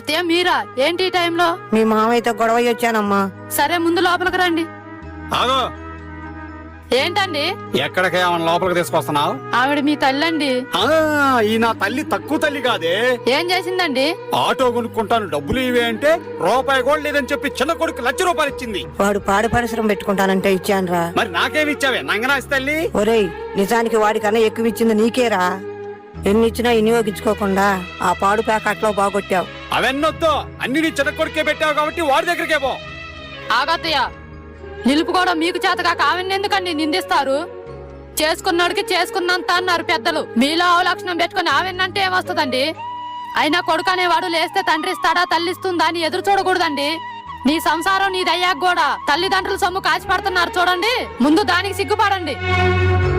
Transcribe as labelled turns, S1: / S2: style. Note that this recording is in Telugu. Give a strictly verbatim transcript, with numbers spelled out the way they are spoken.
S1: అత్తయ్య మీరా ఏంటి ఈ టైంలో?
S2: మీ మామయ్యతో గొడవ వచ్చానమ్మా.
S1: సరే ముందు లోపలికి రండి.
S3: ఆగో,
S1: ఏంటండి?
S3: ఎక్కడికి ఏమన్నా లోపలికి తీసుకొస్తున్నావు?
S1: ఆవిడ మీ తల్లండి.
S3: ఈ నా తల్లి తక్కువ తల్లి కాదే.
S1: ఏం చేసిందండి?
S3: ఆటో కొనుక్కుంటాను డబ్బులు ఇవే అంటే రూపాయి కూడా లేదని చెప్పి చిన్న కొడుకు లక్ష రూపాయలు ఇచ్చింది.
S2: వాడు పాడి పరిశ్రమ పెట్టుకుంటానంటే ఇచ్చానురా.
S3: మరి నాకేమి ఇచ్చావే నంగనాసి తల్లి?
S2: ఒరేయ్, నిజానికి వాడికన్నా ఎక్కువ ఇచ్చింది నీకేరా. ఎన్ని ఇచ్చినా వినియోగించుకోకుండా ఆ పాడు ప్యాకెట్లో బాగొట్టావు.
S3: అవన్నొద్దు, అన్ని నీ చిన్న కొడుకే పెట్టావు కాబట్టి వాడి దగ్గరికే పో.
S1: ఆగత్తయ్య, నిలుపుకోవడం మీకు చేతగా ఆవిడ్ని ఎందుకండి నిందిస్తారు? చేసుకున్నాడికి చేసుకున్నంత అన్నారు పెద్దలు. మీలో అవలక్షణం పెట్టుకుని ఆవిడ్నంటే ఏమొస్తుందండి? అయినా కొడుకు అనేవాడు లేస్తే తండ్రి ఇస్తాడా తల్లిస్తుందా అని ఎదురు చూడకూడదండి. నీ సంసారం నీదయ్యాక కూడా తల్లిదండ్రుల సొమ్ము కాచి పడుతున్నారు చూడండి. ముందు దానికి సిగ్గుపడండి.